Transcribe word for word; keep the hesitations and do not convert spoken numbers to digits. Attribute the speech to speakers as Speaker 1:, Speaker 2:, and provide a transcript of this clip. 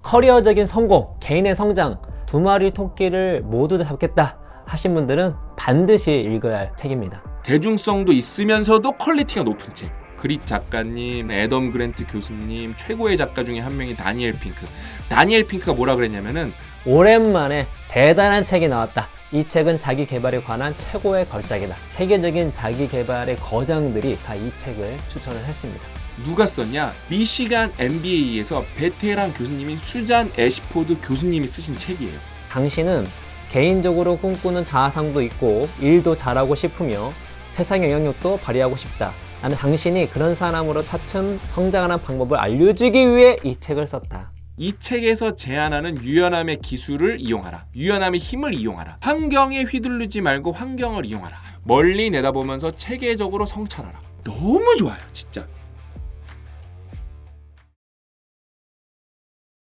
Speaker 1: 커리어적인 성공, 개인의 성장, 두 마리 토끼를 모두 다 잡겠다 하신 분들은 반드시 읽어야 할 책입니다.
Speaker 2: 대중성도 있으면서도 퀄리티가 높은 책. 그릿 작가님, 애덤 그랜트 교수님, 최고의 작가 중에 한 명이 다니엘 핑크. 다니엘 핑크가 뭐라 그랬냐면은
Speaker 1: 오랜만에 대단한 책이 나왔다. 이 책은 자기 개발에 관한 최고의 걸작이다. 세계적인 자기 개발의 거장들이 다 이 책을 추천을 했습니다.
Speaker 2: 누가 썼냐? 미시간 엠비에이에서 베테랑 교수님인 수잔 애시포드 교수님이 쓰신 책이에요.
Speaker 1: 당신은 개인적으로 꿈꾸는 자아상도 있고 일도 잘하고 싶으며 세상 영향력도 발휘하고 싶다. 나는 당신이 그런 사람으로 차츰 성장하는 방법을 알려주기 위해 이 책을 썼다.
Speaker 2: 이 책에서 제안하는 유연함의 기술을 이용하라. 유연함의 힘을 이용하라. 환경에 휘둘리지 말고 환경을 이용하라. 멀리 내다보면서 체계적으로 성찰하라. 너무 좋아요, 진짜.